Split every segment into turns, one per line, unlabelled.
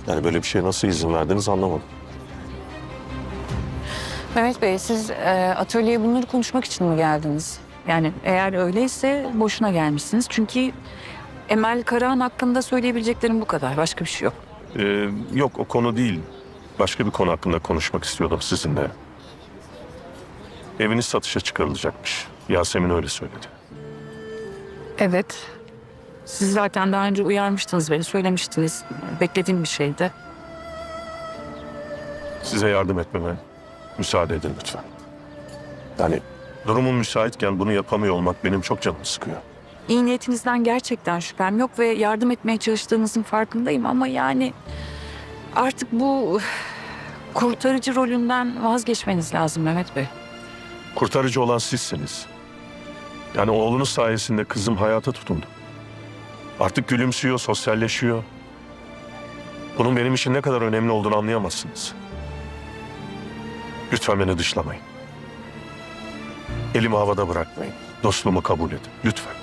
Yani böyle bir şeye nasıl izin verdiniz anlamadım.
Mehmet Bey, siz atölyeye bunları konuşmak için mi geldiniz? Yani eğer öyleyse boşuna gelmişsiniz. Çünkü Emel Karahan hakkında söyleyebileceklerim bu kadar. Başka bir şey yok.
Yok o konu değil. Başka bir konu hakkında konuşmak istiyordum sizinle. Eviniz satışa çıkarılacakmış. Yasemin öyle söyledi.
Evet. Siz zaten daha önce uyarmıştınız beni, söylemiştiniz. Beklediğim bir şeydi.
Size yardım etmeme müsaade edin lütfen. Yani durumum müsaitken bunu yapamıyor olmak benim çok canımı sıkıyor.
İyi niyetinizden gerçekten şüphem yok ve yardım etmeye çalıştığınızın farkındayım ama yani artık bu kurtarıcı rolünden vazgeçmeniz lazım Mehmet Bey.
Kurtarıcı olan sizsiniz. Yani oğlunuz sayesinde kızım hayata tutundu. Artık gülümsüyor, sosyalleşiyor. Bunun benim için ne kadar önemli olduğunu anlayamazsınız. Lütfen beni dışlamayın. Elimi havada bırakmayın. Dostluğumu kabul edin. Lütfen.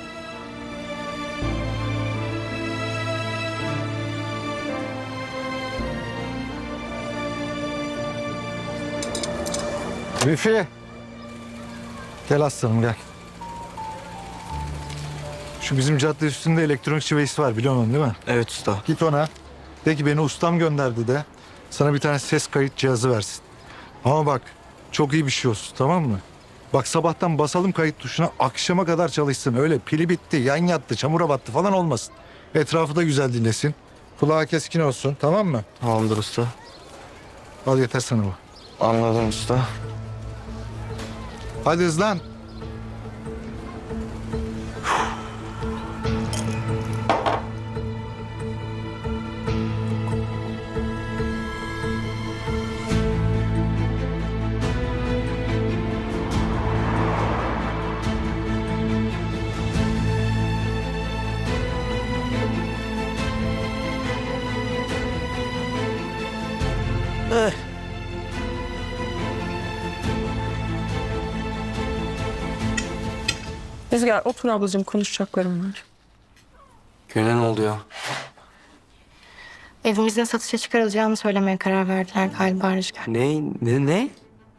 Lütfi. Gel aslanım gel. Şu bizim cadde üstünde elektronik şivesi var biliyorsun değil mi?
Evet usta.
Git ona. De ki beni ustam gönderdi de. Sana bir tane ses kayıt cihazı versin. Ama bak çok iyi bir şey olsun tamam mı? Bak sabahtan basalım kayıt tuşuna akşama kadar çalışsın. Öyle pili bitti, yan yattı, çamura battı falan olmasın. Etrafı da güzel dinlesin. Kulağı keskin olsun tamam mı?
Tamamdır usta.
Al yeter sana bu.
Anladım usta.
Hadi hızlan.
Rüzgar otur ablacığım, konuşacaklarım var.
Güne ne oluyor?
Evimizin satışa çıkarılacağını söylemeye karar verdiler galiba Rüzgar.
Ne?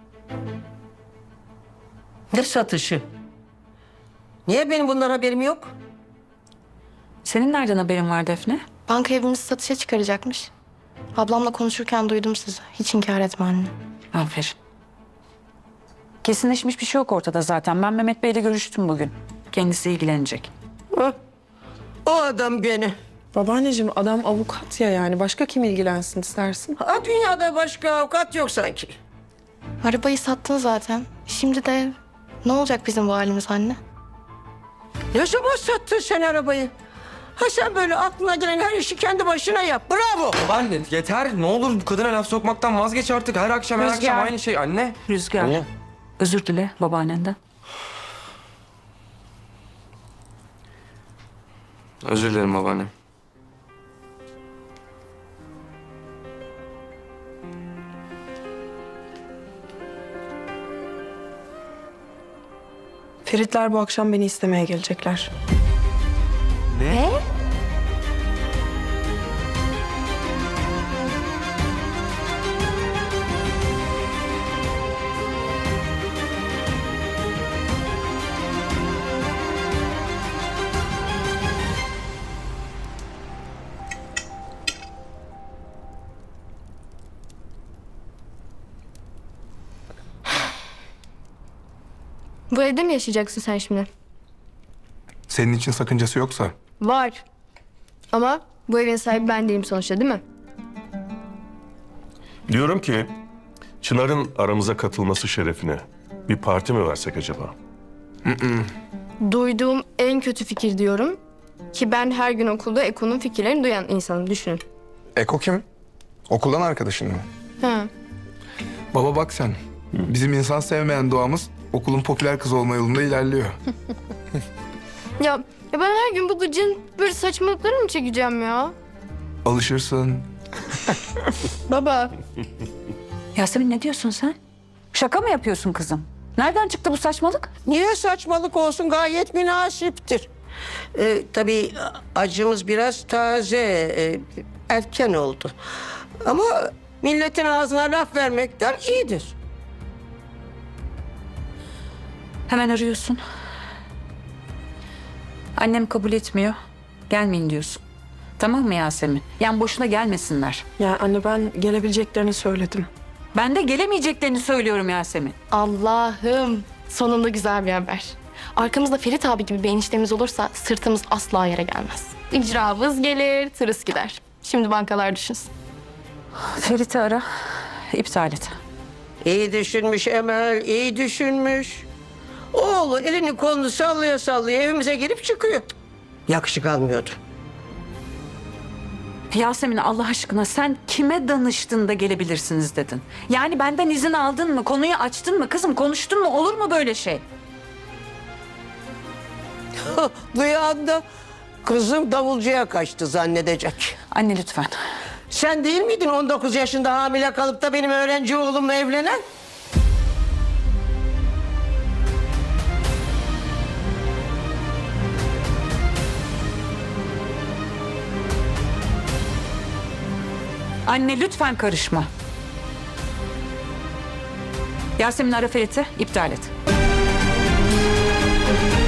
Ne satışı? Niye benim bundan haberim yok?
Senin nereden haberin var Defne?
Banka evimizi satışa çıkaracakmış. Ablamla konuşurken duydum sizi. Hiç inkar etme anne.
Aferin. Kesinleşmiş bir şey yok ortada zaten. Ben Mehmet Bey'le görüştüm bugün. Kendisi ilgilenecek.
O adam gene.
Babaanneciğim adam avukat ya, yani başka kim ilgilensin istersin?
Ha, dünyada başka avukat yok sanki.
Arabayı sattın zaten. Şimdi de ne olacak bizim bu halimiz anne?
Ne zaman sattın sen arabayı? Ha sen böyle aklına gelen her işi kendi başına yap. Bravo.
Babaanne yeter. Ne olur bu kadına laf sokmaktan vazgeç artık. Her akşam
Rüzgar.
aynı şey anne.
Rüzgar.
Anne.
Özür dile babaannenden.
Özür dilerim babaanne.
Feritler bu akşam beni istemeye gelecekler.
Ne?
Bu evde mi yaşayacaksın sen şimdi?
Senin için sakıncası yoksa.
Var. Ama bu evin sahibi ben değilim sonuçta değil mi?
Diyorum ki Çınar'ın aramıza katılması şerefine bir parti mi versek acaba?
Duyduğum en kötü fikir diyorum. Ki ben her gün okulda Eko'nun fikirlerini duyan insanım, düşünün.
Eko kim? Okuldan arkadaşın mı?
Ha.
Baba bak sen. Bizim insan sevmeyen doğamız okulun popüler kızı olma yolunda ilerliyor.
Ya ben her gün bu gıcın böyle saçmalıklarını mı çekeceğim ya?
Alışırsın.
Baba.
Yasemin ne diyorsun sen? Şaka mı yapıyorsun kızım? Nereden çıktı bu saçmalık?
Niye saçmalık olsun, gayet münasiptir. Tabii acımız biraz taze. erken oldu. Ama milletin ağzına laf vermekten iyidir.
Hemen arıyorsun. Annem kabul etmiyor. Gelmeyin diyorsun. Tamam mı Yasemin? Yani boşuna gelmesinler.
Ya anne ben gelebileceklerini söyledim.
Ben de gelemeyeceklerini söylüyorum Yasemin.
Allah'ım sonunda güzel bir haber. Arkamızda Ferit abi gibi bir eniştemiz olursa sırtımız asla yere gelmez. İcramız gelir, tırıs gider. Şimdi bankalar düşünsün.
Ferit'i ara. İptal et.
İyi düşünmüş Emel, iyi düşünmüş. Oğlu elini kolunu sallaya sallaya evimize girip çıkıyor. Yakışık almıyordu.
Yasemin Allah aşkına sen kime danıştın da gelebilirsiniz dedin? Yani benden izin aldın mı? Konuyu açtın mı? Kızım konuştun mu? Olur mu böyle şey?
Duyan da kızım davulcuya kaçtı zannedecek.
Anne lütfen.
Sen değil miydin 19 yaşında hamile kalıp da benim öğrenci oğlumla evlenen?
Anne lütfen karışma. Yasemin ara Ferit'i iptal et.